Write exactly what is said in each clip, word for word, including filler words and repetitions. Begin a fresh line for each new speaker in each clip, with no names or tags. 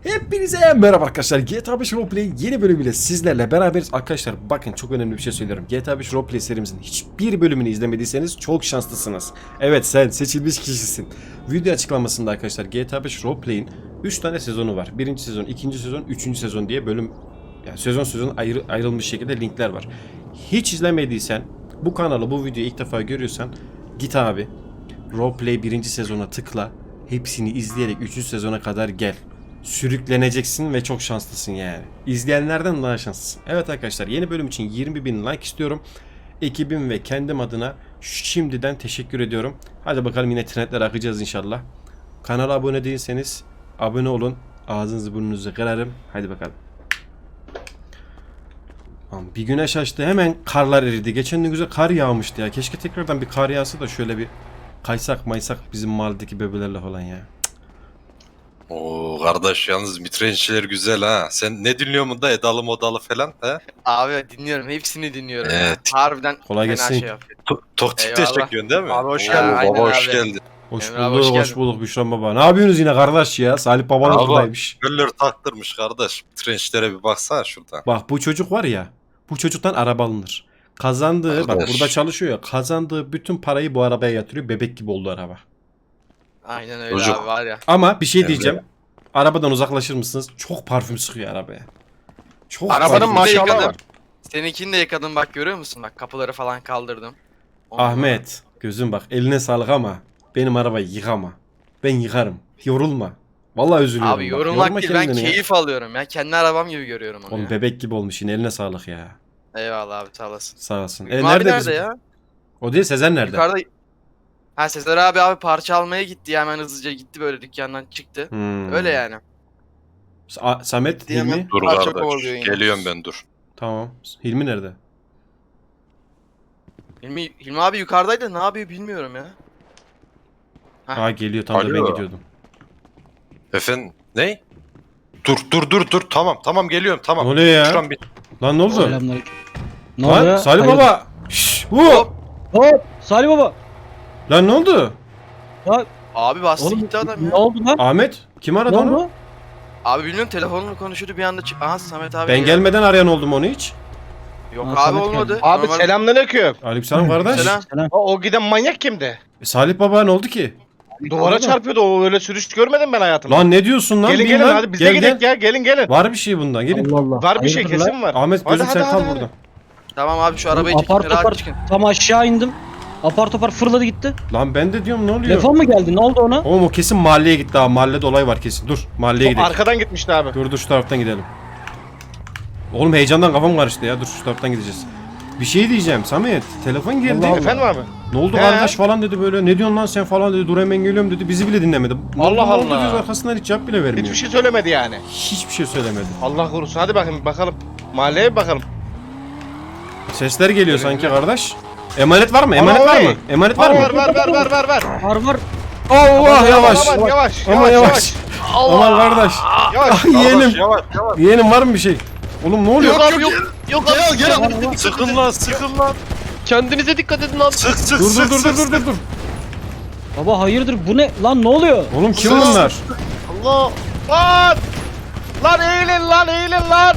Hepinize merhaba arkadaşlar. G T A beş Roleplay yeni bölümüyle sizlerle beraberiz. Arkadaşlar bakın, çok önemli bir şey söylüyorum. G T A beş Roleplay serimizin hiçbir bölümünü izlemediyseniz çok şanslısınız. Evet, sen seçilmiş kişisin. Video açıklamasında arkadaşlar G T A beş Roleplay'in üç tane sezonu var. birinci sezon, ikinci sezon, üçüncü sezon diye bölüm, yani sezon sezon ayrı, ayrılmış şekilde linkler var. Hiç izlemediysen, bu kanalı, bu videoyu ilk defa görüyorsan git abi Roleplay birinci sezona tıkla. Hepsini izleyerek üçüncü sezona kadar gel. Sürükleneceksin ve çok şanslısın yani. İzleyenlerden daha şanslısın. Evet arkadaşlar, yeni bölüm için yirmi bin like istiyorum. Ekibim ve kendim adına şimdiden teşekkür ediyorum. Hadi bakalım, yine trendler akacağız inşallah. Kanala abone değilseniz abone olun. Ağzınızı burnunuzu kırarım. Hadi bakalım. Bir güneş açtı, hemen karlar eridi. Geçen gün güzel kar yağmıştı ya. Keşke tekrardan bir kar yağsa da şöyle bir kaysak maysak bizim mahalledeki bebelerle falan ya.
Oo kardeş, yalnız mitrençler güzel ha. Sen ne dinliyorsun da Edalı Modalı falan ha?
Abi dinliyorum, hepsini dinliyorum.
Evet.
Ya. Harbiden
Kolay
fena
gelsin.
şey yapıyor.
Tok tikte
Eyvallah.
çekiyorsun değil mi?
Abi hoş
Oo,
geldin.
Baba
Aynen
hoş
abi.
geldin.
Hoş
Emre abi,
bulduk,
hoş
hoş,
geldin.
bulduk Büşra baba. Ne yapıyorsunuz yine kardeş ya? Salih baba da
Abi.
buradaymış.
Göller taktırmış kardeş. Mitrençlere bir baksana şuradan.
Bak, bu çocuk var ya, bu çocuktan araba alınır. Kazandığı, bak
Kardeş.
burada çalışıyor ya, kazandığı bütün parayı bu arabaya yatırıyor. Bebek gibi oldu araba.
Aynen öyle
Çocuk.
abi, var ya.
Ama bir şey
Emre.
diyeceğim. Arabadan uzaklaşır mısınız? Çok parfüm sıkıyor arabaya. Çok
Arabanın
parfüm.
maşallah
maşallah
var.
var.
Seninkini de yıkadım, bak görüyor musun? Bak kapıları falan kaldırdım. Ondan
Ahmet, gözüm bak, eline sağlık ama benim arabayı yıkama. Ben yıkarım. Yorulma. Vallahi üzülüyorum.
Abi
bak.
yorulmak
Yorma
değil, ben
kendini ya.
keyif alıyorum ya. Kendi arabam gibi görüyorum onu
Oğlum
ya.
bebek gibi olmuş yine, eline sağlık ya.
Eyvallah abi, sağ olasın.
Sağ olsun.
Hüsnü
E,
abi
nerede
nerede
bizim?
ya?
O değil, Sezen nerede?
Yukarıda. Ha, Sezer abi abi parça almaya gitti ya, hemen hızlıca gitti, böyle dükkandan çıktı.
Hmm.
Öyle yani.
Sa- Samet,
Diyemem.
Hilmi.
Dur
Parça
kardeş.
kovalıyor yine.
Geliyorum ben, dur.
Tamam. Hilmi nerede?
Hilmi, Hilmi abi yukarıdaydı, ne yapıyor bilmiyorum ya. Heh.
Aa, geliyor, tam da ben
Alo.
gidiyordum.
Efendim ne? Dur dur dur dur, tamam tamam geliyorum tamam.
Ne oluyor ya?
Şuran bir...
Lan ne oldu?
Selamünaleyküm. Ne
Lan
oluyor?
Salih
Hayırdır?
baba. Şşş, bu.
Hop.
Hop! Salih baba.
Lan ne oldu?
Abi bastı
Oğlum
gitti adam ya.
ne oldu lan?
Ahmet, kim aradı
Ne
onu?
oldu?
Abi bilmiyorum, telefonla konuşuyordu bir anda çık. Aha Samet abi.
Ben
ya.
gelmeden arayan oldu mu onu hiç?
Yok
Ha,
abi,
Samet
olmadı.
geldi.
Abi
Normal-
selamünaleyküm.
Aleykümselam kardeş.
Selam.
Selam.
O, o giden manyak kimdi?
E, Salih baba ne oldu ki?
Duvara çarpıyordu, o öyle sürüş görmedim ben hayatımda.
Lan ne diyorsun lan?
gelin
Bin
gelin
lan.
hadi biz de
Gel,
gidelim
gel.
ya, gelin gelin.
Var bir şey bundan, gelin.
Allah Allah.
Var bir şey
Hayırdır lan?
kesin var.
Ahmet, gözüm
Hadi,
sen
hadi,
kal
hadi,
burada.
Tamam abi, şu arabayı
Apar
çekin, rahat
topar
çıkın.
tam aşağı indim. Apar topar fırladı gitti.
Lan ben de diyorum, ne oluyor?
Telefon mu geldi? Ne oldu ona?
Oğlum o kesin mahalleye gitti abi. Mahallede olay var kesin. Dur, mahalleye
O
gidelim.
arkadan gitmişti abi.
Dur dur, şu taraftan gidelim. Oğlum heyecandan kafam karıştı ya. Dur, şu taraftan gideceğiz. Bir şey diyeceğim Samet. Telefon geldi.
Allah Allah.
Efendim abi?
Ne oldu
He?
kardeş falan dedi böyle. Ne diyorsun lan sen falan dedi. Dur hemen geliyorum dedi. Bizi bile dinlemedi. Ne oldu,
Allah
ne oldu
Allah.
diyoruz, arkasından hiç cevap bile vermiyor.
Hiçbir şey söylemedi yani.
Hiçbir şey söylemedi.
Allah korusun, hadi bakın bakalım. Mahalleye bir bakalım.
Sesler geliyor sanki kardeş. Emanet var mı? Emanet
Ama
var
vay.
mı? Emanet var
Var
mı?
var var var var var.
Var var.
Allah yavaş.
Aman yavaş
Aman
yavaş
yavaş.
yavaş.
Aman kardeş.
Yavaş.
Yeğenim.
Kardeş, yavaş yavaş.
Yeğenim var mı bir şey? Oğlum ne oluyor?
Yok abi yok. Yok abi.
Gel gel. Sıkın lan sıkın lan.
Kendinize dikkat edin lan.
Sık sık
Dur
sık
dur dur
sık,
dur dur dur dur.
Baba hayırdır bu ne? Lan ne oluyor?
Oğlum kim
Sus.
bunlar?
Allah. Lan. Lan eğilin lan eğilin lan.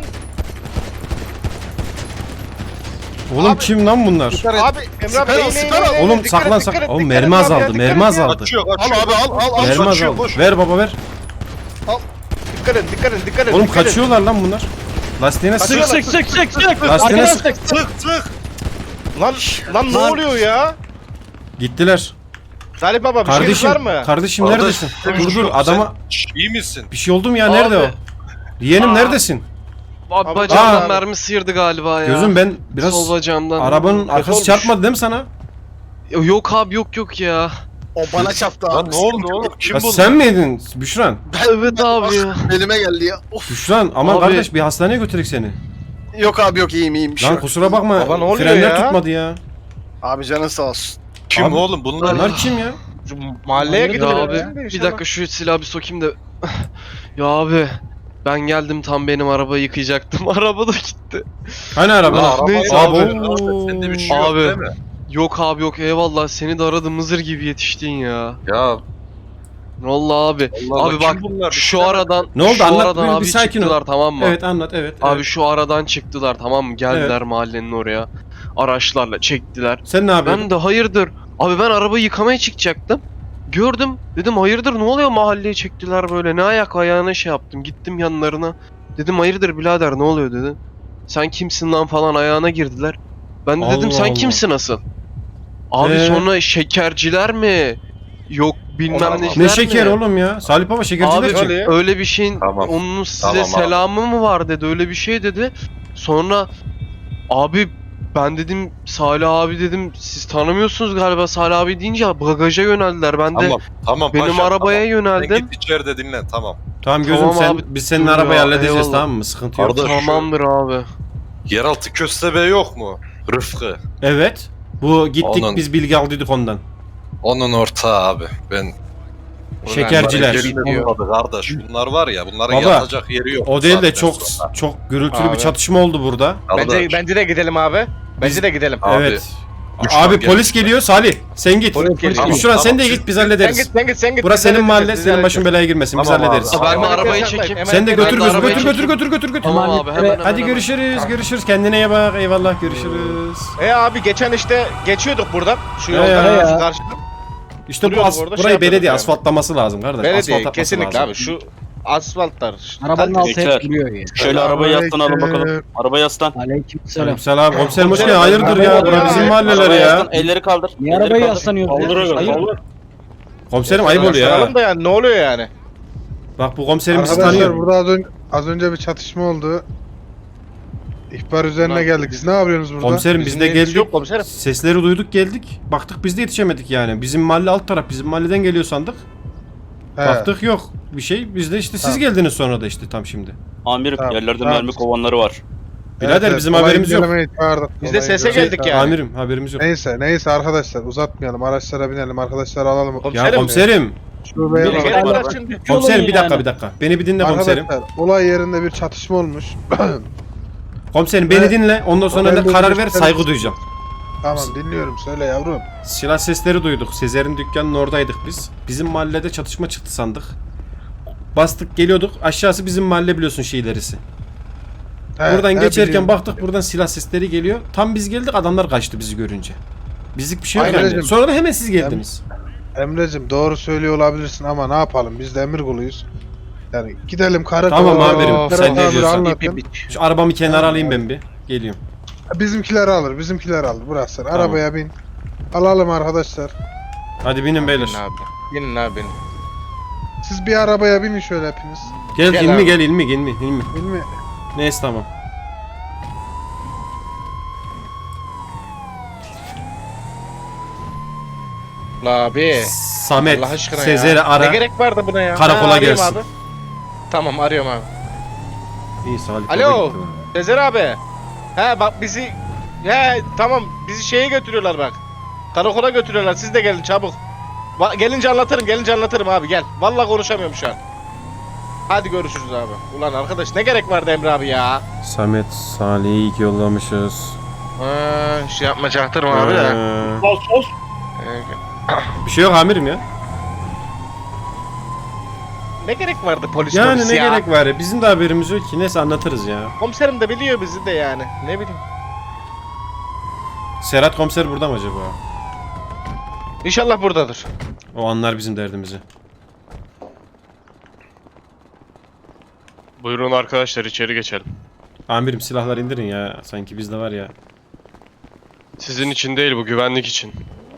Oğlum kim lan bunlar?
Abi Emre abi
Sıkar,
eğilin
sıkar.
eğilin, eğilin.
Oğlum
Dikkat
saklan
et, dikkat
saklan.
et,
Oğlum
dikkat et
mermi
abi,
azaldı.
dikkat
Mermi
et.
azaldı.
Kaçıyor
Al
kaçıyor.
abi al al al.
Mermi
kaçıyor,
azaldı.
boş.
Ver baba ver.
Dikkat edin dikkat edin dikkat edin.
Oğlum
dikkat edin.
kaçıyorlar lan bunlar. Lastiğine sık.
Kaçıyorlar.
Sık sık sık sık.
Lastiğine
Arkadan
sık.
sık.
Sık sık.
Lan lan ne
Lan.
oluyor ya?
Gittiler.
Salih baba bir şeyiniz
Kardeşim,
var mı?
kardeşim
Kardeş,
neredesin?
sen-
Dur dur,
sen-
adama
Şş, İyi misin?
bir şey oldu mu ya? Nerede
Abi.
o? Yeğenim neredesin?
Abi
Abi,
bacağımdan
Aa.
mermi sıyırdı galiba ya.
Gözüm ben biraz
Sol bacağımdan.
arabanın arkası
olmuş.
çarpmadı değil mi sana?
Yok abi yok yok ya.
O bana çarptı
Lan
abi.
ne oldu oğlum? Kim
Ya
bu?
sen miydin Büşran?
Evet abi ya.
Elime geldi ya. Of.
Büşran aman
Abi.
kardeş, bir hastaneye götürek seni.
Yok abi yok, iyiyim iyiyim. Bir şey
Lan
yok.
kusura bakma,
Baba, ne oluyor
frenler
ya?
tutmadı ya.
Abi canın sağ olsun.
Kim
Abi,
oğlum bunlar?
Bunlar kim ya?
Şu mahalleye
Ya
gidelim.
Ya abi bir dakika şu silahı bir sokayım da. Ya abi ben geldim, tam benim arabayı yıkayacaktım. Araba da gitti.
Hani araba?
Lan araba-
Neyse
Abi.
abi.
Sende bir şey yok
Abi.
değil mi?
Yok abi yok, eyvallah, seni de aradım, Mızır gibi yetiştin ya.
Ya
Vallahi abi.
Allah
abi
kim
bak
bunlar?
şu aradan
Ne oldu?
şu
Anlat,
aradan
bir- bir
abi
sakin ol.
çıktılar tamam mı?
Evet anlat evet.
Abi
evet.
şu aradan çıktılar tamam mı? Geldiler mahallenin oraya. Araçlarla çektiler.
Sen ne yapıyorsun?
Ben de hayırdır. Abi ben arabayı yıkamaya çıkacaktım. Gördüm. Dedim hayırdır ne oluyor mahalleye çektiler böyle. Ne ayak ayağına şey yaptım. Gittim yanlarına. Dedim hayırdır birader ne oluyor dedim. Sen kimsin lan falan ayağına girdiler. Ben de dedim
Allah
sen
Allah.
kimsin asıl? Abi
Ee?
sonra şekerciler mi? Yok bilmem
Tamam.
neciler
Ne
mi?
şeker oğlum ya? Salih Baba şekerciler
Abi
çek.
öyle.
öyle bir şeyin
Tamam.
onun size
Tamam abi.
selamı mı var dedi öyle bir şey dedi. Sonra abi ben dedim Salih abi dedim siz tanımıyorsunuz galiba Salih abi deyince bagaja yöneldiler. Ben de
Tamam tamam
benim
paşam,
arabaya
tamam.
yöneldim.
Sen git içeride dinlen tamam.
Tamam gözüm
Tamam
sen
abi,
biz senin
dur
arabayı
ya,
halledeceğiz
eyvallah.
tamam mı? Sıkıntı yok.
Kardeş.
Tamamdır abi.
Yeraltı köstebe yok mu? Rıfkı.
Evet. Bu gittik
Onun-
biz bilgi aldıydık ondan.
Onun ortağı abi. Ben
Şekerciler.
Olmadı kardeş. Bunlar var ya bunların
Baba,
yatacak yeri yok.
O değil de
saatten
çok
sonra.
çok gürültülü bir
Abi.
çatışma oldu burada.
Bence,
Kardeş,
bence de gidelim abi. Bence de gidelim.
Abi,
evet.
düşman
Abi
gelmiş.
polis geliyor Salih. Sen git.
Polis geliyor.
Tamam,
Şuran sen de
tamam.
git biz
Sen
hallederiz.
git sen git sen git.
Burası
Biz
senin
hallederiz,
mahalle
biz
senin başın
hallederiz.
belaya girmesin biz
Tamam abi.
hallederiz.
Ben de
Tamam,
arabayı
sen-
çekeyim.
hemen-
Sen de
hemen-
götür
ben de
gözü
arabayı
götür götür
çekeyim.
götür götür götür.
Tamam abi hemen hemen.
Hadi
hemen.
görüşürüz görüşürüz kendine iyi bak eyvallah görüşürüz.
E abi geçen işte geçiyorduk buradan. Şu
He
yoldan
ya.
şu karşıdan.
İşte bu
Duruyorduk
as-
orada, şey
burayı
yapıyorduk
belediye
yani.
asfaltlaması lazım kardeş.
Belediye
Asfalt atması
kesinlikle
lazım.
abi şu asfaltlar. işte.
Arabanın
Kalitesi-
altı hep duruyor ya.
Şöyle arabayı yaslanalım bakalım. Arabaya yaslan.
Aleykümselam.
Aleykümselam komiserim hoş
Komiserim,
geldin hayırdır ya
arabaya
bura bizim
ya.
mahalleler
Arabaya
ya.
yaslan, elleri kaldır.
Niye
elleri
arabaya
kaldır.
yaslanıyoruz ya?
Kaldırıyoruz,
Hayır.
kaldır.
Komiserim ayıp oluyor ha.
Yaslanalım da yani ne oluyor yani?
Bak bu komiserim bizi
Arkadaşlar
tanıyor.
burada az önce, az önce bir çatışma oldu. İhbar üzerine geldik. Siz ne yapıyorsunuz burada?
Komiserim biz
Bizim
de
neyimiz
geldik.
yok komiserim.
Sesleri duyduk geldik. Baktık biz de yetişemedik yani. Bizim mahalle alt taraf bizim mahalleden geliyor sandık.
He,
Baktık yok bir şey. Biz de işte siz
Tamam.
geldiniz sonra da işte tam şimdi.
Amirim
Tamam,
yerlerde
tamam.
mermi kovanları var.
Birader
evet,
bizim
olay
haberimiz yok.
incelemeye çağırdık.
Biz de
Olay
sese
incelemeye
geldik
çağırdık.
yani.
Amirim haberimiz yok.
Neyse neyse arkadaşlar uzatmayalım. Araçlara binelim. Arkadaşları alalım.
Ya komiserim.
Şubeye
Biri
bakalım.
gelip
Bak-
bıraksın.
Komiserim bir dakika
yani.
bir dakika. Beni bir dinle komiserim.
Arkadaşlar olay yerinde bir çatışma olmuş.
Komiserim beni
Evet.
dinle. Ondan sonra
Ben
da
bu
karar ver
görüşleri-
saygı duyacağım.
Tamam dinliyorum söyle yavrum.
Silah sesleri duyduk. Sezer'in dükkanının oradaydık biz. Bizim mahallede çatışma çıktı sandık. Bastık geliyorduk. Aşağısı bizim mahalle biliyorsun şeylerisi.
He,
Buradan
he,
geçerken
biliyorum.
baktık buradan silah sesleri geliyor. Tam biz geldik adamlar kaçtı bizi görünce. Bizlik bir şey yok
Aynen.
yani. Sonra da hemen siz geldiniz.
Emre'cim doğru söylüyor olabilirsin ama ne yapalım biz de emir kuluyuz. Yani gidelim karakola.
Tamam amirim,
Berat
sen ne
abi
diyorsan.
anlatın.
Şu arabamı kenara alayım ben bir. Geliyorum.
Bizimkiler alır bizimkiler alır. Bırak sen arabaya bin. Alalım arkadaşlar.
Hadi binin beyler.
Binin abi. Binin abi binin.
Siz bir arabaya binin şöyle hepiniz.
Gel,
Gel
ilmi
abi.
gel ilmi ilmi ilmi.
Değil mi?
Neyse tamam.
La abi.
Samet,
Allah aşkına
Sezer'i
ya.
ara.
Ne gerek vardı buna ya?
Karakola
Ha, arayayım
gelsin.
Abi. Tamam arıyorum abi.
İyi Salih.
Alo.
baba gitti.
Sezer abi. He bak bizi he tamam bizi şeye götürüyorlar bak. Karakola götürüyorlar. Siz de gelin çabuk. Va- gelince anlatırım, gelince anlatırım abi gel. Vallahi konuşamıyorum şu an. Hadi görüşürüz abi. Ulan arkadaş ne gerek vardı Emre abi ya?
Samet, Salih'i iyi ki yollamışız.
Ha, şey yapma çaktırma abi de.
Ee,
Sos sos.
Ee,
bir şey yok amirim ya.
Ne gerek vardı polis
Yani
polis
ne
ya?
gerek var ya. Bizim de haberimiz yok ki. Neyse anlatırız ya.
Komiserim de biliyor bizi de yani. Ne bileyim.
Serhat komiser burada mı acaba?
İnşallah buradadır.
O anlar bizim derdimizi.
Buyurun arkadaşlar içeri geçelim.
Amirim silahlar indirin ya. Sanki bizde var ya.
Sizin için değil bu güvenlik için.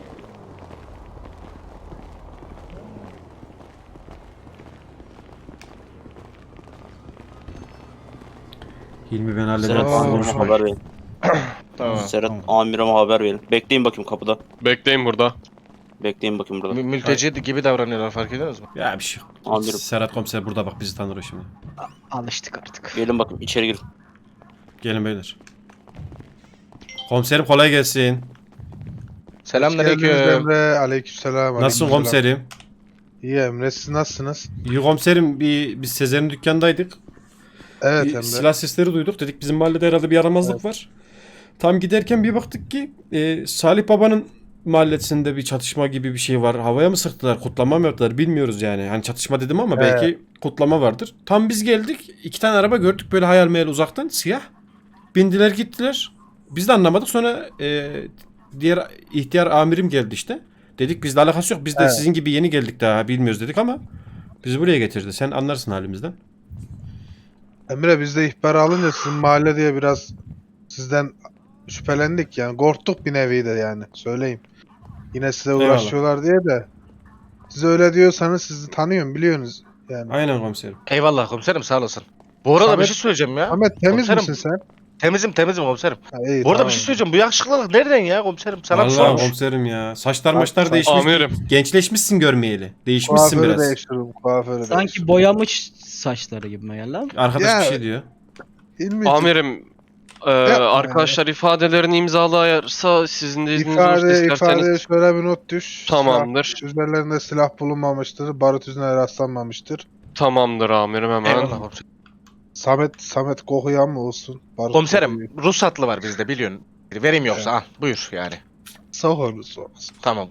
Hilmi ben
Serhat
hallederim.
Aa,
amirime
hoş.
haber verin.
Tamam.
Serhat amirime haber verin. Bekleyin bakayım kapıda.
Bekleyin burada.
Bekleyin bakayım burada.
Mü- Mülteci gibi davranıyorlar fark ediyorsunuz mu?
Ya bir şey yok.
Amirim.
Serhat komiser burada bak bizi tanır o şimdi.
Alıştık artık.
Gelin bakayım içeri girin.
Gelin beyler. Komiserim kolay gelsin.
Geldiniz
Selamünaleyküm.
Emre. Aleykümselam.
Nasılsın
aleykümselam.
komiserim?
İyi Emre siz nasılsınız?
İyi komiserim bir biz Sezer'in dükkandaydık.
Evet
Bir
Emre.
silah sesleri duyduk. Dedik bizim mahallede herhalde bir yaramazlık var. Tam giderken bir baktık ki e, Salih Baba'nın mahallesinde bir çatışma gibi bir şey var. Havaya mı sıktılar, kutlama mı yaptılar bilmiyoruz yani. Hani çatışma dedim ama belki kutlama vardır. Tam biz geldik. iki tane araba gördük böyle hayal meyal uzaktan siyah. Bindiler gittiler. Biz de anlamadık. Sonra e, diğer ihtiyar amirim geldi işte. Dedik bizle alakası yok. Biz de
Evet.
sizin gibi yeni geldik daha bilmiyoruz dedik ama bizi buraya getirdi. Sen anlarsın halimizden.
Emre biz de ihbar alınca sizin mahalle diye biraz sizden şüphelendik yani. Korktuk bir nevi de yani. Söyleyeyim. Yine size
Eyvallah.
uğraşıyorlar diye de. Siz öyle diyorsanız sizi tanıyorum biliyorsunuz. Yani.
Aynen komiserim.
Eyvallah komiserim sağ olasın. Bu arada
Samet-
bir şey söyleyeceğim ya.
Ahmet temiz
Komiserim,
misin sen?
Temizim temizim komiserim.
Ha, iyi,
Bu arada
tamam.
bir şey söyleyeceğim. Bu yakışıklılık nereden ya komiserim? Sana bir
Vallahi
sormuş.
komiserim ya. Saçlar
Bak,
maçlar
bak.
değişmiş.
Amirim.
Gençleşmişsin görmeyeli. Değişmişsin
Kuaförü
biraz.
değiştiriyorum. Kuaförü
Sanki
değiştiriyorum.
boyamış saçları gibi geldi ama.
Arkadaş
Ya-
bir şey diyor.
İlmi-
Amirim e, arkadaşlar ifadelerini imzalayarsa sizin de izniniz olursa
İfade,
isterseniz
ifadeye şöyle bir not düş.
tamamdır.
Silah, üzerlerinde silah bulunmamıştır. Barut izine rastlanmamıştır.
Tamamdır amirim hemen.
Eyvallah komiserim.
Samet, Samet kokuyan mı olsun? Barut
Komiserim
kokuyor.
ruhsatlı var bizde biliyorsun. Vereyim yoksa al buyur yani.
Sok onu sok.
Tamam.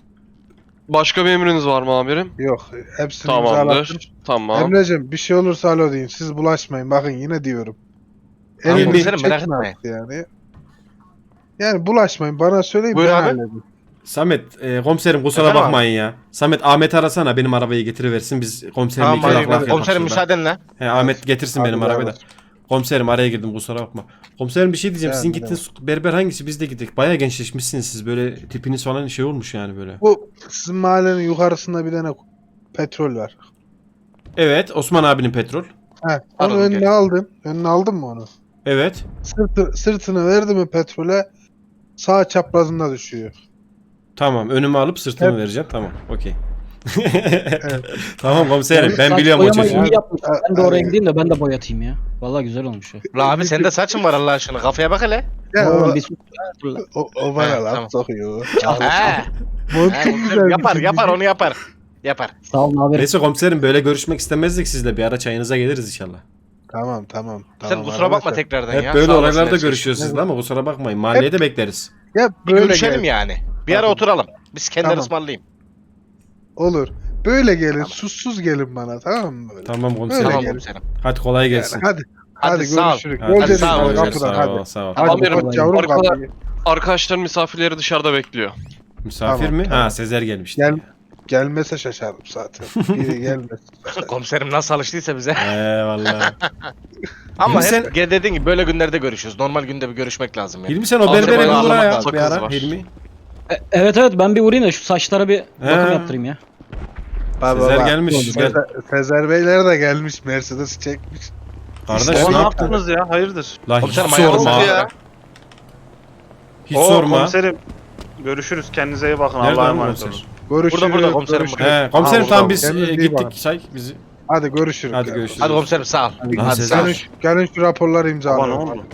Başka bir emriniz var mı amirim?
Yok hepsini imzalattım.
Tamamdır. Tamam.
Emre'cim bir şey olursa alo deyin. Siz bulaşmayın. Bakın yine diyorum.
Tamam,
Elimi
komiserim, merak
çekme
etmeyin.
artık yani. Yani bulaşmayın. Bana söyleyin
Buyur
ben
abi.
halledeyim.
Samet e, komiserim kusura
Efendim
bakmayın ya. Samet Ahmet arasana benim arabayı getiriversin biz komiserimle
Tamam
iki
hadi,
laf laf
hadi.
yapak
Komiserim
şurada.
müsaadenle.
He, Ahmet getirsin
Hadi
benim
beraber.
arabayı da. Komiserim araya girdim kusura bakma. Komiserim bir şey diyeceğim.
Yani,
Sizin gittiğiniz berber hangisi? Biz de gittik. Bayağı gençleşmişsiniz siz. Böyle tipiniz falan şey olmuş yani böyle.
Bu sizin mahallenin yukarısında bir tane petrol var.
Evet Osman abinin petrol.
He, onu
Pardon,
önüne
gel.
aldın. Önüne aldın mı onu?
Evet.
Sırtı, sırtını verdi mi petrole sağ çaprazında düşüyor.
Tamam önümü alıp sırtımı
Hep-
vereceğim. Tamam okey. Tamam komiserim ben
Saç
biliyorum o
boyamayı
çocuğu.
iyi yapmışlar. Ben de
Ha,
oraya
evet.
gideyim de ben de boyatayım ya. Vallahi güzel olmuş ya.
La abi sende saçın var Allah aşkına. Kafaya bak hele.
Ya
Oğlum
o,
bir sus. Dur lan.
o, o bana
Ha,
laf
tamam.
sokuyor.
He.
Bu
He,
çok güzel.
yapar
bir
yapar
şey.
onu yapar. Yapar.
Sağ olun abi.
Neyse komiserim böyle görüşmek istemezdik sizle. Bir ara çayınıza geliriz inşallah.
Tamam tamam.
Sen
tamam
kusura bakma
arkadaşlar.
tekrardan
Hep
ya.
böyle
Sağ olasın
olaylarda
her şey.
görüşüyoruz sizle ama kusura bakmayın. Mahalleye de bekleriz.
Ya
Bir
böyle
görüşelim
gel.
yani. Bir ara
Tamam.
oturalım. Biz kendileri
Tamam.
ısmarlayayım.
Olur. Böyle gelin. Sussuz gelin bana tamam mı böyle?
Tamam komiserim.
Öyle
Tamam
gel.
komiserim.
Hadi kolay
Yani
gelsin.
hadi.
Hadi,
Hadi,
sağ ol.
görüşürüz.
Hadi,
Göreceğiz
sağ ol,
seni
görüşürüz,
kapıdan
sağ ol,
hadi.
sağ ol.
Hadi
Amirim,
kapat yavrum
arkada-
kapıyı.
Arkadaşlar misafirleri dışarıda bekliyor.
Misafir
Tamam,
mi?
tamam.
Ha Sezer gelmişti.
Gel. Gelmese şaşarım zaten. İyi gelmez.
Komiserim nasıl alıştıysa bize.
Eyvallah.
Ama
Hilmi
hep
sen-
gel dediğin gibi böyle günlerde görüşüyoruz. Normal günde bir görüşmek lazım ya.
Hilmi sen o
Hazır
berbere
bayağı
bir uğra
almak
ya
lazım.
bir ara.
Kız var.
Hilmi.
E, evet evet ben bir uğrayayım da şu saçlara bir bakım
He.
yaptırayım ya.
Baba,
Sezer
bak.
gelmiş. Gel.
Sezer, Sezer Beyler de gelmiş. Mercedes çekmiş.
Kardeş
İşte
ne
ne
yaptınız?
ya? Hayırdır?
La hiç
Komiserim ayağınız
sorma.
ya.
Hiç
Oo,
sorma.
Komiserim. Görüşürüz. Kendinize iyi bakın.
Nerede
Allah'a
lan
emanet
komiser?
olun.
Görüşürüz.
Burada, burada komiserim,
görüşürüz.
He, komiserim
Aa,
tamam
burada.
biz
Kendinize
e,
iyi bakın.
gittik say bizi.
Hadi görüşürüz.
Hadi
ya.
görüşürüz.
Hadi komiserim sağ ol.
Hadi
Hadi
Sezer.
sağ ol.
Gelin, şu- gelin şu raporları imzalayalım.
Baba, ne oldu?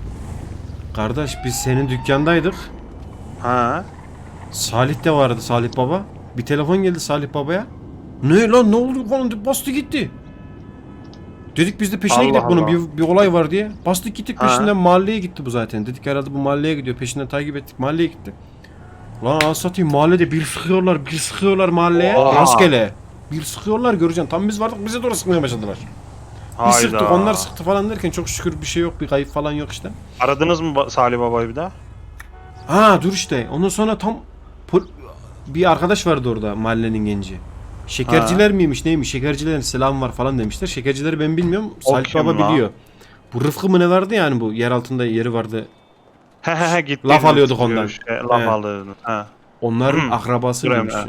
Kardeş biz senin dükkandaydık.
Ha?
Salih de vardı Salih Baba. Bir telefon geldi Salih Baba'ya. Ne lan ne oldu falan bastı gitti. Dedik biz de peşine
Allah
gidelim bunun
Allah.
bir, bir olay var diye. Bastık gittik
Ha.
peşinden mahalleye gitti bu zaten. Dedik herhalde bu mahalleye gidiyor. Peşinden takip ettik mahalleye gitti. Lan anasını satayım mahallede bir sıkıyorlar bir sıkıyorlar mahalleye.
Oha.
Rastgele. Bir sıkıyorlar göreceksin. Tam biz vardık bize doğru sıkmaya başladılar. Bir
Hayda.
sıktık onlar sıktı falan derken çok şükür bir şey yok bir kayıp falan yok işte.
Aradınız mı ba- Salih Baba'yı bir daha?
Ha dur işte. Ondan sonra tam pol- bir arkadaş vardı orada mahallenin genci. Şekerciler miymiş neymiş? Şekercilerin selam var falan demişler. Şekercileri ben bilmiyorum.
O
Salih
kim
Baba
lan?
biliyor. Bu Rıfkı mı ne vardı yani bu yer altında yeri vardı.
He he he gitti.
Laf alıyorduk ondan.
Görüş. E, laf
He.
alıyordun. Ha.
Onların
Hı.
akrabası
Durayım,
mıymış?
ha.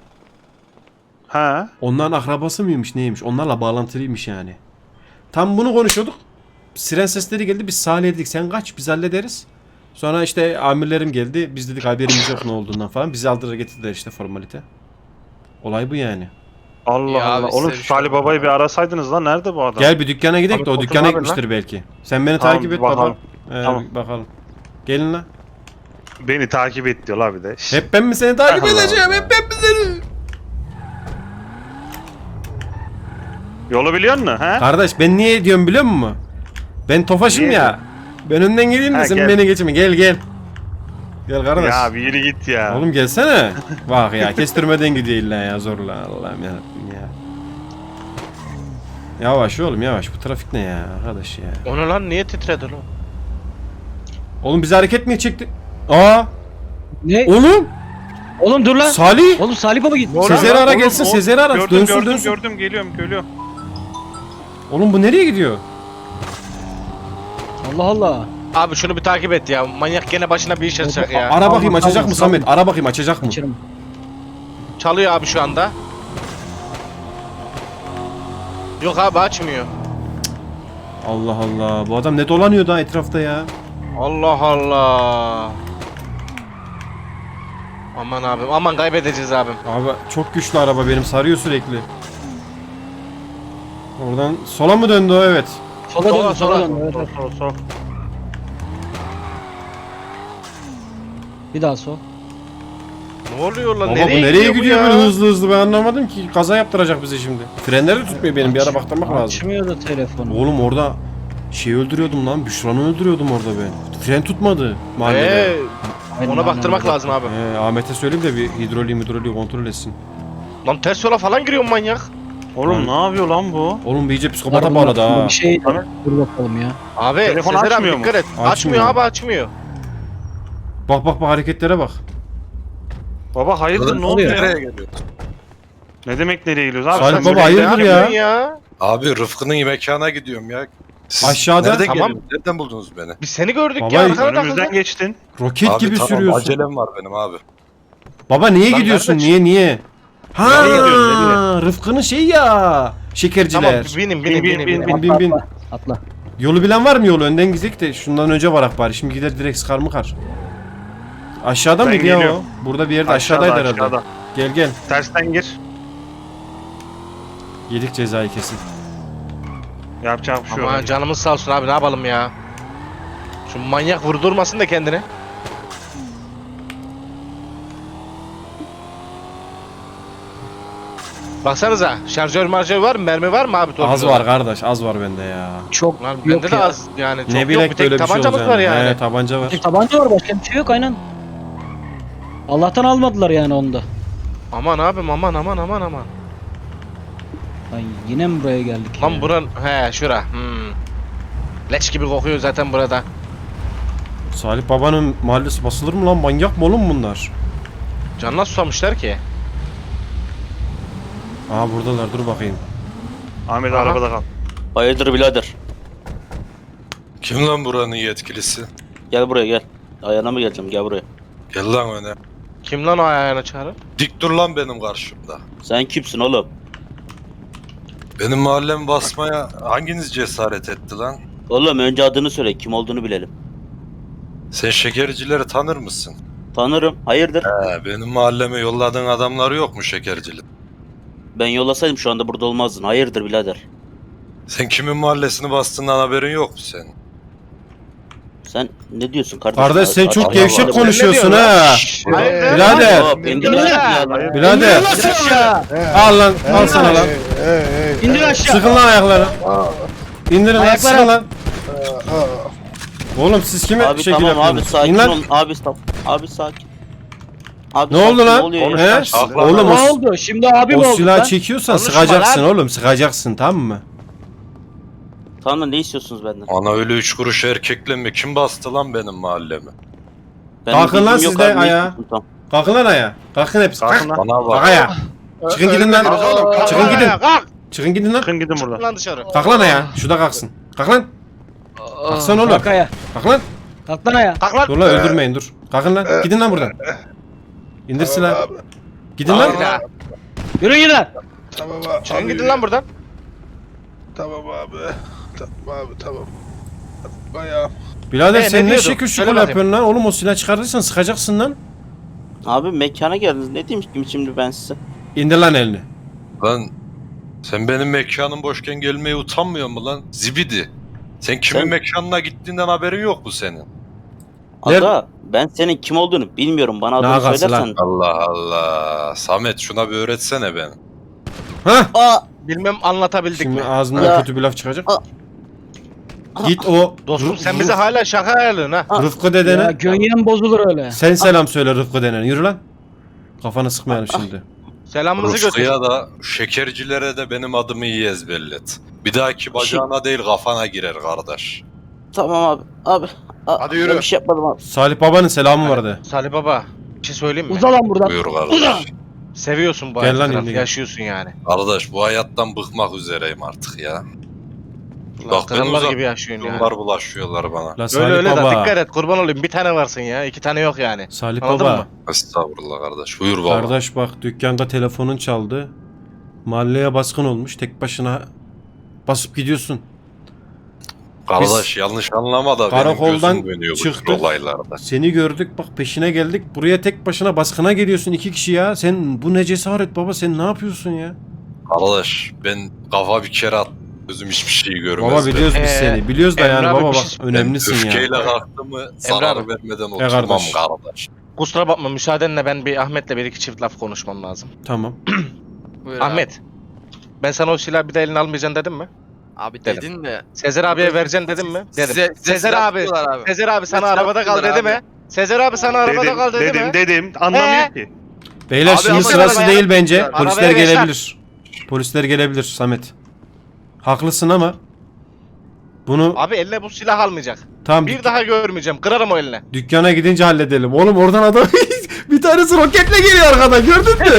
Ha?
Onların akrabası mıymış neymiş? Onlarla bağlantılıymış yani. Tam bunu konuşuyorduk. Siren sesleri geldi. Biz Salih'e dedik sen kaç biz hallederiz. Sonra işte amirlerim geldi. Biz dedik haberimiz yok ne olduğundan falan. Bizi aldılar getirdiler işte formalite. Olay bu yani.
Allah
Ya
Allah.
abi,
Oğlum
size
şu
bir şey
Salih Baba'yı bir arasaydınız lan. Nerede bu adam?
Gel bir dükkana gidelim de o
Abi,
dükkana
oturma
gitmiştir belki. Sen beni
Tamam,
takip et
bakalım.
baba. Ee,
Tamam.
bakalım. Gelin lan.
Beni takip et diyor la bir de. Şşt.
Hep ben mi seni takip
Allah
edeceğim?
Allah.
Hep ben mi seni?
Yolu biliyor musun? He?
Kardeş ben niye diyorum biliyor musun? Ben tofaşım
Niye
ya. Ben önden geleyim de
Ha,
sen
gel.
beni geçme. Gel gel. Gel kardeş.
Ya bir yürü git ya.
Oğlum gelsene. Bak ya kestirmeden gidiyor illa ya zorla Allah'ım yarabbim ya. Yavaş oğlum yavaş bu trafik ne ya arkadaş ya.
Onu lan niye titredi lan?
Oğlum bizi hareket mi çekti? Aa
Ne?
oğlum
Oğlum dur lan.
Salih.
Oğlum Salih Baba git.
Sezer'i ara
Oğlum,
gelsin
o-
Sezer'i ara
Gördüm
dönsün
gördüm
dönsün.
gördüm geliyorum geliyorum.
Oğlum bu nereye gidiyor?
Allah Allah.
Abi şunu bir takip et ya. Manyak gene başına bir iş açacak ya.
Ara bakayım
Tamam,
açacak
tamam,
mı
tamam.
Samet? Ara bakayım açacak mı?
Kaçırım.
Çalıyor abi şu anda. Yok abi açmıyor.
Allah Allah bu adam ne dolanıyor da etrafta ya?
Allah Allah. Aman abim aman kaybedeceğiz abim.
Abi çok güçlü araba benim sarıyor sürekli. Oradan sola mı döndü o evet.
Sola
Sola,
dön, sola
sola.
dön. Evet,
Sol
evet.
sol sol.
Bir daha sol.
Ne oluyor lan?
Baba
nereye
bu nereye gidiyor
bu
böyle
ya?
hızlı hızlı ben anlamadım ki. Kaza yaptıracak bizi şimdi. Frenleri de tutmuyor benim bir ara baktırmak lazım.
Açmıyordu telefonu.
Oğlum orada şey öldürüyordum lan. Büşra'nı öldürüyordum orada ben. Fren tutmadı mahallede.
Ee,
Aynen,
ona
aynen,
baktırmak
öyle.
lazım abi.
Ee, Ahmet'e söyleyeyim de bir hidroliği hidroliği kontrol etsin.
Lan ters yola falan giriyor manyak.
Oğlum ne yapıyor lan bu?
Oğlum bir iyice psikopata
Bunlar
bağladı
bunlar
ha.
Bir şey
Tabii.
dur bakalım ya.
Abi
Telefon
Sezer abi
açmıyor mu?
dikkat et. Açmıyor.
Açmıyor.
abi açmıyor.
Bak bak bak hareketlere bak.
Baba hayırdır ne
oluyor?
oluyor?
Nereye geliyor?
Ne demek nereye gidiyoruz abi?
Salih
Sen
baba,
böyle-
hayırdır
Ne
ya?
yapıyorsun ya?
Abi Rıfkı'nın mekana gidiyorum ya. Siz
Aşağıda.
nerede
Tamam.
geliyorsunuz? Nereden buldunuz beni?
Biz seni gördük
Baba,
ya. Arkana
Önümüzden
takıldın.
geçtin.
Roket
Abi
gibi
tamam
sürüyorsun.
acelem var benim abi.
Baba niye
Lan
gidiyorsun?
nerede?
Niye niye? Ha,
Nereye gidiyorsun, nereye?
Rıfkı'nın şey ya. Şekerciler.
Tamam binin binin
Bin,
binin.
bin,
binin.
bin bin bin.
Atla. Atla.
Yolu bilen var mı yolu? Önden gidecek de şundan önce varak bari. Şimdi gider direkt sıkar mı kar? Aşağıda
Ben
mıydı ya o?
geliyorum.
Burada bir yerde
Aşağıda,
aşağıdaydı herhalde.
aşağıda.
Gel gel.
Tersten gir.
Yedik cezayı kesin.
Yapacak bir şey yok.
Aman canımız sağ olsun abi ne yapalım ya. Şu manyak vurdurmasın da kendini. Baksanıza şarjör marjör var mı? Mermi var mı abi?
Az
torpilde?
var kardeş az var bende ya.
Çok
Lan
yok
bende de
ya.
az yani çok
ne
yok
bilek
bir
böyle
tek
bir şey
tabancamız
olacağını.
var yani.
He tabanca var.
Bir tabanca var başka bir şey yok aynen. Allah'tan almadılar yani onda.
Aman abim aman aman aman aman.
Ay yine mi buraya geldik
Lan
ya?
buran he şura. Hmm. Leş gibi kokuyor zaten burada.
Salih babanın mahallesi basılır mı lan? Manyak mı oğlum bunlar?
Canına susamışlar ki.
Aha buradalar dur bakayım.
Ahmet
Aha.
arabada kal.
Hayırdır birader?
Kim lan buranın yetkilisi?
Gel buraya gel. Ayağına mı geleceğim? Gel buraya.
Gel lan öne.
Kim lan o ayağına çağırır?
Dik dur lan benim karşımda.
Sen kimsin oğlum?
Benim mahallemi basmaya hanginiz cesaret etti lan?
Oğlum önce adını söyle. Kim olduğunu bilelim.
Sen şekercileri tanır mısın?
Tanırım. Hayırdır?
He, benim mahalleme yolladığın adamları yok mu şekercilik?
Ben yollasaydım şu anda burada olmazdın. Hayırdır birader?
Sen kimin mahallesini bastığından haberin yok mu senin?
Sen ne diyorsun kardeşim?
Kardeş sen
Aç-
çok
aç-
gevşek
aç-
konuşuyorsun
Ne
ha.
Hayırdır?
Birader.
Hop, indir lan silahını.
Birader. Al lan al sana lan.
İndir aşağı.
Sıkın lan ayakları. İndirin lan
Ayakları.
sıkın lan. Oğlum siz kime
Abi
şekil
tamam abi
yapıyorsunuz?
sakin
İn lan.
ol. Abi stop. Abi sakin. Abi
Ne
sakin,
oldu lan?
oluyor
He?
ya?
Oğlum
Ne
o,
oldu? Şimdi abi mi
o
oldu
silahı
lan?
çekiyorsan
Konuşma
sıkacaksın
lan.
oğlum sıkacaksın tamam mı?
Tamam da ne istiyorsunuz benden?
Ana öyle üç kuruş erkekle mi? Kim bastı lan benim mahallemi?
Benim
Kalkın lan
bilgim yok
siz de
abi, ne
ayağa.
istiyorsun? Tamam.
Kalkın lan ayağa. Kalkın hepsi. Kalk.
Kalkın lan.
Bana
Kalk
bak.
ayağa. Çıkın gidin lan.
Oğlum,
Çıkın
kalk
gidin.
ayağa, Kalk.
Çıkın gidin lan.
Çıkın gidin
Çık
buradan.
lan dışarı.
Kalk lan ayağa. Şu da kalksın. Kalk lan. Kalksana oğlum.
Kalk ayağa.
Kalk lan.
Kalk lan ayağa.
Kalk lan.
Dur lan öldürmeyin dur. Kalkın lan. Gidin lan buradan. İndir silahı. Gidin lan.
Bir daha.
Yürü gidin lan.
Tamam abi.
Çıkın gidin lan buradan.
Tamam abi. Tamam abi tamam. Bayağı.
Birader
Ee,
sen
ne
ne
diyordun?
şekil
Söyle
şukul
bakayım.
yapıyorsun lan? Oğlum o silah çıkartırsan sıkacaksın lan.
Abi mekana geldiniz. Ne diyeyim ki şimdi ben size?
İndir lan elini.
Lan sen benim mekanım boşken gelmeye utanmıyor mu lan? Zibidi. Sen kimin
Sen-
mekanına gittiğinden haberin yok mu senin?
Ada ben senin kim olduğunu bilmiyorum. Bana
Ne
adını
alakası
söylersen.
Allah Allah. Samet şuna bir öğretsene beni.
Hah.
Aa!
Bilmem anlatabildik
Şimdi
mi?
ağzından
Ya.
kötü bir laf çıkacak.
Aa.
Git o
Dostum sen bize hala şaka ayarlıyorsun ha.
Rıfkı
Ya
dedene.
gönyen bozulur öyle.
Sen selam söyle Rıfkı dedene. Yürü lan. Kafanı sıkmayalım şimdi.
Selamımızı götür.
Rıfkı'ya da şekercilere de benim adımı iyi ezberlet. Bir dahaki bacağına değil kafana girer kardeş.
Tamam abi. Abi. a-
Hadi yürü.
ben Bir şey yapmadım abi.
Salih babanın selamı vardı.
Salih baba bir şey söyleyeyim mi?
Uza lan buradan.
Buyur kardeş.
Seviyorsun bu
Gel lan
hayatı.
indi, gel.
Yaşıyorsun yani.
Kardeş bu hayattan bıkmak üzereyim artık ya.
Ulan
Bak ben
krallar
uzak
gibi yaşıyorsun yani.
yıllar bulaşıyorlar bana.
La
Öyle
Salih
öyle de
baba.
dikkat et kurban olayım bir tane varsın ya iki tane yok yani.
Salih
Anladın
baba.
mı?
Estağfurullah kardeş. Buyur baba.
Kardeş bak dükkanda telefonun çaldı. Mahalleye baskın olmuş. Tek başına basıp gidiyorsun.
Kardeş yanlış anlama da benim
Karakoldan
gözüm dönüyor bu
çıktık.
tür olaylarda.
Seni gördük bak peşine geldik. Buraya tek başına baskına geliyorsun iki kişi ya. Sen bu ne cesaret baba sen ne yapıyorsun ya?
Kardeş ben kafa bir kere at. Gözüm hiçbir şey görmez.
Baba biliyoruz biz
Ee,
seni. Biliyoruz da
Emre
yani
abi
baba
bir
bak
şey-
önemlisin ya.
Öfkeyle kalktı mı zarar
abi.
vermeden
E
oturmam
kardeş.
kardeş.
Kusura bakma müsaadenle ben bir Ahmet'le bir iki çift laf konuşmam lazım.
Tamam.
Buyur abi.
Ahmet. Ben sana o silahı bir de eline almayacaksın dedim mi?
Abi
Dedim.
dedin de.
Sezer abiye vereceksin dedim mi? Dedim.
Size, size
Sezer
silah
abi.
tutuyorlar abi.
Sezer abi sana
Size
arabada kal
silah
dedi mi?
tutuyorlar
Sezer abi sana arabada
Dedim,
kal dedi
dedim,
mi?
dedim. Anlamıyor
He?
ki.
Beyler
Abi
şimdi
ama
sırası
arabaya-
değil bence.
Arabaya
Polisler
geçer.
gelebilir. Polisler gelebilir Samet. Haklısın ama bunu
Abi eline bu silah almayacak.
tam
Bir daha görmeyeceğim. Kırarım o eline.
dükkana gidince halledelim. Oğlum oradan adam bir tanesi roketle geliyor arkadan gördün mü?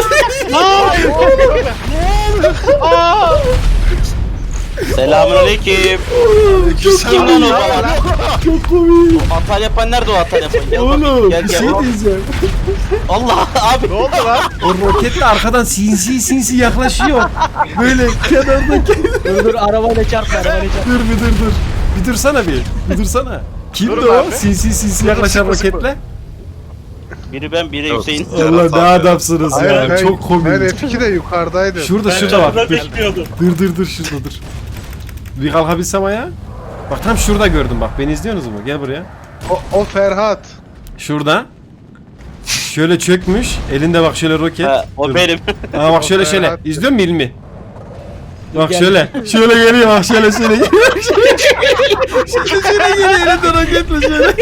Selamünaleyküm. Kim lan o baba?
Çok komik.
Atar yapan nerede o atar yapan? Gel
Oğlum
bakayım, gel
bir
gel.
şey diyeceğim.
Allah abi.
Ne oldu lan?
O roketle arkadan sinsi sinsi yaklaşıyor. Böyle kenardaki.
Dur dur arabayla çarpma arabayla çarpma.
Dur bir dur dur. Bir dursana bir. Bir dursana. Kimdi
Durun
o?
abi.
Sinsi sinsi yaklaşan
sıkı sıkı.
roketle.
Biri ben biri
Yok.
Hüseyin.
Allah ne adamsınız
Hayır,
ya.
ben,
Çok komik.
Ben F iki de yukarıdaydım.
Şurada şurada bak. Dur. dur dur dur şurada dur. Bir kalkabilsem ayağa. Bak tam şurada gördüm bak. Beni izliyorsunuz mu? Gel buraya.
O, o Ferhat.
Şurada. Şöyle çökmüş. Elinde bak şöyle roket.
Ha, o
Dur.
benim.
Aa bak şöyle
O
şöyle.
Ferhat.
İzliyor musun ilmi? Bak
Gel.
şöyle. Şöyle geliyor bak şöyle şöyle geliyor. Şöyle şöyle geliyor elinde roketle şöyle.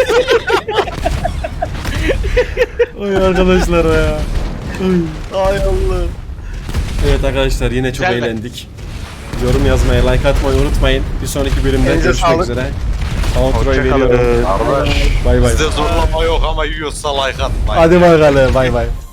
Oy arkadaşlar ya. Oy.
Ay Allah.
Evet arkadaşlar yine çok
Güzel be.
eğlendik. Yorum yazmayı, like atmayı unutmayın. Bir sonraki bölümde
Elinize
görüşmek
sağlık.
üzere. Outro'yu
Hoşçakalın.
veriyorum.
Kardeş
Bay bay.
bizde zorlama yok ama yiyorsa like atmayın.
Hadi bakalım bay bay.